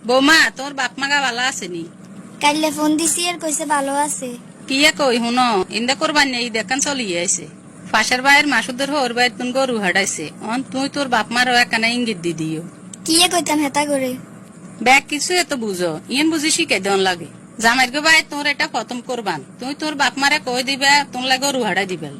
বৌমা তোর বাপ মাগা ভালো আছে নি? কাইলে ফোন দিছি আর কইছে ভালো আছে। কি কই হুন ইন্দা করবার নেই দেখান চলিয়ে আইছে। পাশের বাইরের মাসুদের হোর বাইর তুন গরু হাডাইছে অন তুই তোর বাপ মারও একখানা ইঙ্গিত দি দিও। কি কইতাম হেতা করে? ব্যাগ কিছু এত বুঝো ইয়েন বুঝি শিখে দেন লাগে। জামাইর গো ভাই তোর এটা খতম করবান তুই তোর বাপ মারে কই দিবে তোর লাগে গরু হাডাই দিবেল।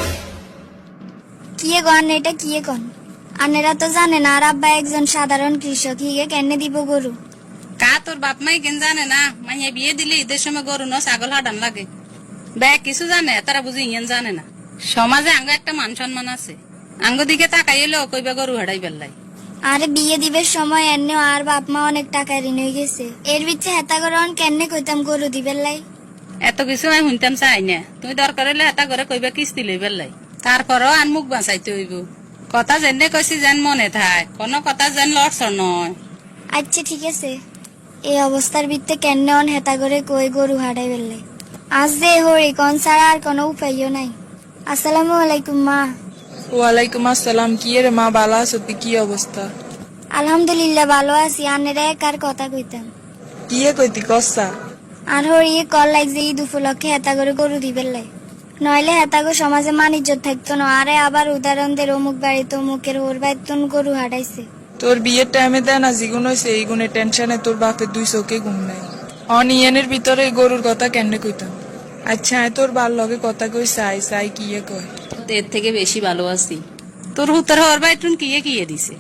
কি গন এটা কি কন? আনেরা তো জানে না আর আব্বা একজন সাধারণ কৃষক, হিগে কেনে দিব গরু? কা তোর বাপ মাই কেন জানে না মাইয়া বিয়ে দিলে ঈদের সময় গরু ন ছাগল হাডান লাগে। ব্যাগ কিছু জানে তারা বুঝি ইয়েন জানে না। সমাজে আঙ্গ একটা মান সম্মান আছে, আঙ্গ দিকে তাকাইলে কইবা গরু হাডাই বেল্লাই। আরে বিয়ে দিবের সময় এনে আর বাপ মা অনেক টাকা ঋণ হয়ে গেছে, এর বিচ্ছে হেতা করে কেনে কইতাম গরু দিবেন লাই। এত কিছু আমি শুনতাম চাই না, তুমি দরকার হইলে এটা করে কইবা কিস্তি লইবার লাই। তারপরও আন মুখ বাঁচাইতে হইব। কথা যেনে কইছি যেন মনে থাক, কোনো কথা যেন লড়ছর নয়। আচ্ছা ঠিক আছে, এই অবস্থার ভিত্তে কেনে হেতা করে কই গরু হারাই বেললে। আজ যে হরি কোন ছাড়া আর কোনো উপায়ও নাই। আসসালামু আলাইকুম মা। ওয়ালাইকুম আসসালাম। কি রে মা, বালা আছো? তুই কি অবস্থা? আলহামদুলিল্লাহ ভালো আছি। আনেরা কার কথা কইতাম। কি কইতি কসা? আর হরি কল লাগছে ঈদ উপলক্ষে হেতা করে গরু দিবেন লাই, নইলে হেতাগো সমাজে মান ইজ্জত থাকতো না। আরে আবার উদাহরণ দের অমুক বাড়িতে অমুকের ওর বাইতন গরু হারাইছে। তোর বিয়ের টাইমে দেয় না জিগুন হয়েছে, এই গুণে টেনশনে তোর বাপের দুই চোখে ঘুম নাই। অনিয়নের ভিতরে গরুর কথা কেন কইতাম? আচ্ছা তোর বার লগে কথা কই চাই চাই কি কয়? এর থেকে বেশি ভালো আছি। তোর হুতর হওয়ার বাইটুন কিয়ে দিছে?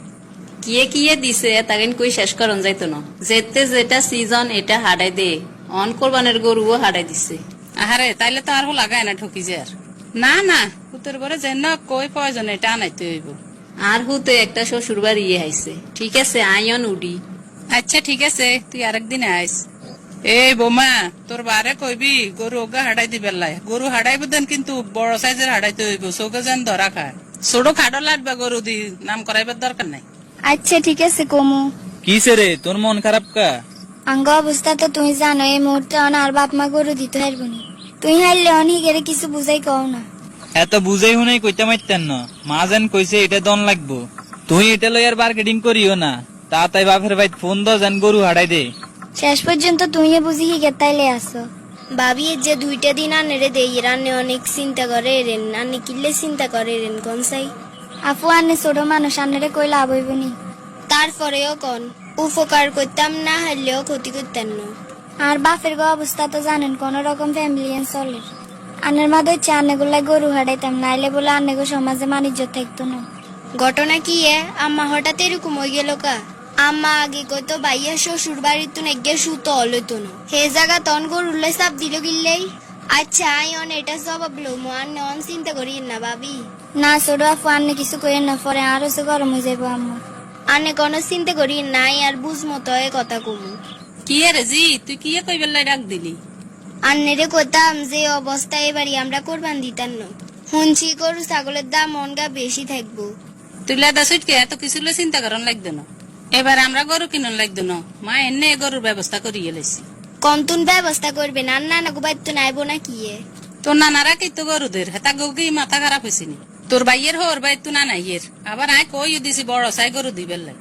কিয়ে দিছে তাকে কই শেষ করন যাইতো না। যেতে যেটা সিজন এটা হাডাই দে, অন কোরবানের গরুও হাডাই দিছে। আহারে তাইলে তো আর লাগায় না ঠকি যে আর। না না হুতর বরে যেন কই প্রয়োজন এটা আনাইতে হইব। আর হুতে একটা শ্বশুর বাড়ি হাইছে। ঠিক আছে আইন উডি। আচ্ছা ঠিক আছে তুই আরেকদিন আইস। এই বোমা তোর বারে কইবি গরু ওগা হাডাই দিবেন লাই। গরু হাডাইব দেন কিন্তু বড় সাইজের হাডাইতে হইব, চৌকে যেন ধরা খায়। ছোট খাডো লাগবে গরু দি, নাম করাইবার দরকার নাই। আচ্ছা ঠিক আছে কমু। কিসে রে তোর মন খারাপ কা? আঙ্গ অবস্থা তো তুমি জানো, এই মুহূর্তে আর বাপ মা গরু দিতে হারবনি। তুই হারলে অনিকের কিছু বুঝাই কও না। এত বুঝাই হুনাই কইতে মাইতেন না। মা যেন কইছে এটা দন লাগবো, তুই এটা লই আর মার্কেটিং করিও না। তা তাই বাপের ভাই ফোন দাও যেন গরু হারাই দে। শেষ পর্যন্ত তুই বুঝি হিগের তাইলে আসো। ভাবি যে 2টা দিন আনেরে দেই রান্নে অনেক চিন্তা করে রেন, আনে কিল্লে চিন্তা করে রেন কনসাই। আপু আনে ছোট মানুষ আনেরে কই লাভ হইবনি। তারপরেও কন উপকার করতাম না, হারলেও ক্ষতি করতেন না। আর বাপের গো অবস্থা তো জানেন, কোন রকম ফ্যামিলি চলে। আনের মা দইছে আনেগুলাই গরু হারাইতাম, নাইলে বলে আনেগো সমাজে মানিজ্য থাকতো না। ঘটনা কি আম্মা হঠাৎ এরকম হয়ে গেল কা? আম্মা আগে কইতো ভাইয়া শ্বশুর বাড়ির তো নেগে সুতো অলইতো না, হে জায়গা তন গরুলে চাপ দিল গিল্লেই। আচ্ছা আইন এটা জবাব লো মান নন চিন্তা করি না ভাবি। না ছোট আপু আন্নে কিছু কইেন না, পরে আরো সে গরম হয়ে যাবো আম্মা। আন্নে কোনো চিন্তা করি নাই আর বুঝমতো এ কথা কমু। কি রে জি তুই কিয়ে কইবার লাই ডাক দিলি? আন্নেরে কইতাম যে অবস্থা এবারই আমরা কোরবান দিতাম না, শুনছি গরু ছাগলের দাম মনগা বেশি থাকবো। তুই লাদা সুটকে এত কিছু চিন্তা করন লাগতো না। এবার আমরা গরু কিনন লাগতো না, মা এনে গরুর ব্যবস্থা করিয়ে লাইছি। কমতুন ব্যবস্থা করবেন আর নানা গোবাই তো নাইবো না কি? তোর নানারা কি তো গরুদের হেতা গৌকি মাথা খারাপ হয়েছে নি? তোর বাইয়ের হোর বাই তু না নাইয়ের আবার আয় কই দিছি বড় সাই গরু দিবেন লাই।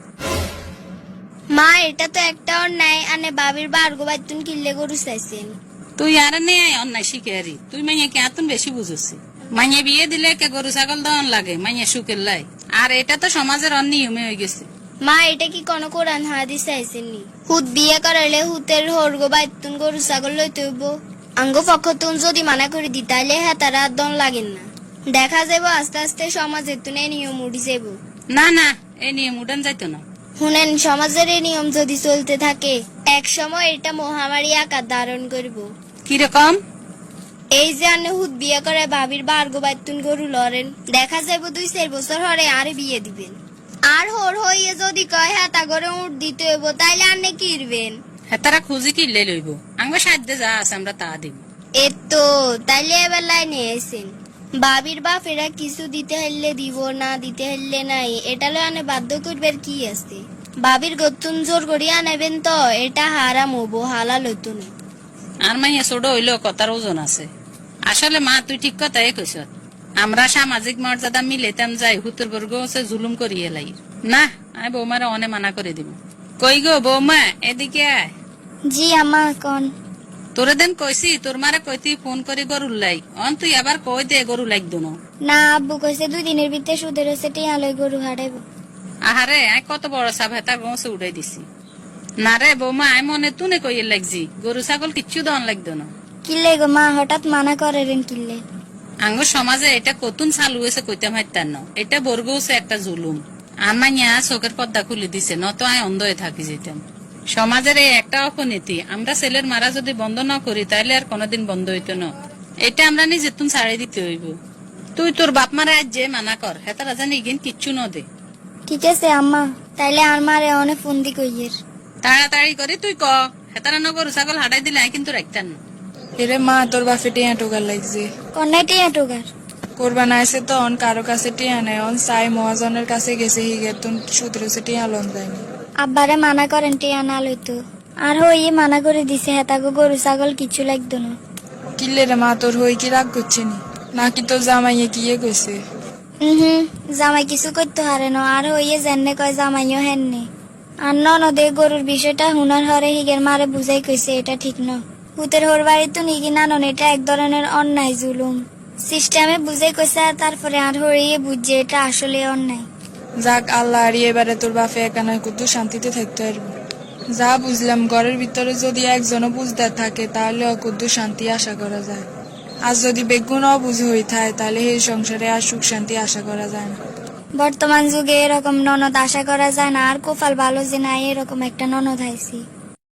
মা এটা তো একটা অন্যায়, আনে বাবির বার গোবাই তুন কিল্লে গরু চাইছেন। তুই আর নে অন্যায় শিখে আরি, তুই মাইয়া কে আতুন বেশি বুঝছি। মাইয়া বিয়ে দিলে কে গরু ছাগল দন লাগে মাইয়া সুখের লাই, আর এটা তো সমাজের অনিয়মে হয়ে গেছে। মা এটা কি কোন কোরআন হাদিস চাইছেন নি? হুত বিয়ে করাইলে হুতের হোর গোবাই তুন গরু ছাগল লইতে হইব। আঙ্গ পক্ষ তুন যদি মানা করে দি তাইলে হ্যাঁ তারা দন লাগেন না। দেখা যাবো আস্তে আস্তে সমাজের তুনে নিয়ম উঠি যাব। না না এই নিয়ম উঠান যাইতো না। শুনেন সমাজের এই নিয়ম যদি চলতে থাকে এক সময় এটা মহামারী আকার ধারণ করব। কিরকম? এই যে আনে হুত বিয়ে করে ভাবির বার গোবাই তুন গরু লড়েন, দেখা যাবো 2-4 বছর হরে আরে বিয়ে দিবেন। আর হোর হইয়ে যদি কয় হ্যাঁ তা করে উঠ দিতে হইব তাইলে আনে কিরবেন? হেতারা খুঁজি কিনলে লইব, আঙ্গ সাধ্যে যা আছে আমরা তা দিব। এতো তাইলে এবার লাইনে এসেন। বাবির বাপ এরা কিছু দিতে হইলে দিব, না দিতে হইলে নাই, এটা লয় আনে বাধ্য করবার কি আছে? বাবির গতুন জোর করিয়া নেবেন তো এটা হারাম হবো, হালাল হইতো না। আর মাইয়া ছোট হইলেও কথার ওজন আছে। আসলে মা তুই ঠিক কথাই কইস, আমরা সামাজিক মর্যাদা মিলেতাম যাই হুতুর বর্গ জুলুম করিয়ে লাই। না আমি বৌমারা অনে মানা করে দিব। কই গো বৌমা এদিকে আয়। জি আম্মা কন। তোরে দেন কইছি তোর মারে কইতি ফোন করে গরুর লাই অন তুই আবার কই দে গরু লাগতো না। না আব্বু কইছে 2 দিনের ভিতরে সুদের হচ্ছে টিয়া লই গরু হারাইব। আহারে আই কত বড় সাপ হেতার বংশে উঠাই দিছি। না রে বৌমা আই মনে তুনে কইয়ে লাগছি গরু ছাগল কিচ্ছু দন লাগতো না। কিল্লে গো মা হঠাৎ মানা করেন কিল্লে? আঙ্গ সমাজে এটা কতুন চালু হয়েছে কইতাম হাইতার ন এটা বর্গছে একটা জুলুম। আমাইয়া চোখের পর্দা খুলে দিছে নত আই অন্ধ হয়ে থাকি যেতাম। সমাজের এই একটা অপনীতি আমরা ছেলের মারা যদি বন্ধ না করি তাহলে আর কোনোদিন বন্ধ হইতো না। এটা আমরা নিজে তুন ছাড়াই দিতে হইব। তুই তোর বাপ মারা আজ যে মানা কর হেতারা জানি ইগিন কিচ্ছু ন দে। ঠিক আছে আম্মা, তাইলে আর মারে অনেক ফোন দি কইয়ের। তাড়াতাড়ি করে তুই ক হেতারা ন গরু ছাগল হাঁটাই দিলে আই কিন্তু রাখতাম না। এরে মা তোর বাপে টিয়া টোকার লাগছে। কন্যা টিয়া টোগার কোরবান আইসে তো অন কারো কাছে টিয়া নেই অন সাই মহাজনের কাছে গেছে হিগে তুন সুদের হচ্ছে টিয়া লন যায়নি। আব্বারে মানা করেন টিয়া না লইতো। আর হইয়ে মানা করে দিছে হেতাগো গরু ছাগল কিছু লাগতো না। কিল্লে রে মা তোর হই কি রাগ করছে নি নাকি তোর জামাইয়ে কিয়ে কইছে? জামাই কিছু করতে হারে না। আর হইয়ে জেনে কয় জামাইও হেননি। আর ননদে গরুর বিষয়টা হুনার হরে হিগের মারে বুঝাই কইছে এটা ঠিক ন। হুতের হোর বাড়ি তো নিগি নানন এটা এক ধরনের অন্যায় জুলুম। সিস্টেমে বুঝাই কইছে আর তারপরে আর হইয়ে বুঝছে এটা আসলে অন্যায়। যাক আল্লাহ আর এবারে তোর বাপে একানা কত শান্তিতে থাকতে পারবো। যা বুঝলাম ঘরের ভিতরে যদি একজনও বুঝদার থাকে তাহলে অকুদ্দু শান্তি আশা করা যায়। আর যদি বেগুন অবুঝ হয়ে থাকে তাহলে এই সংসারে আর সুখ শান্তি আশা করা যায় না। বর্তমান যুগে এরকম ননদ আশা করা যায় না। আর কোপাল ভালো যে নাই এরকম একটা ননদ হাইছি।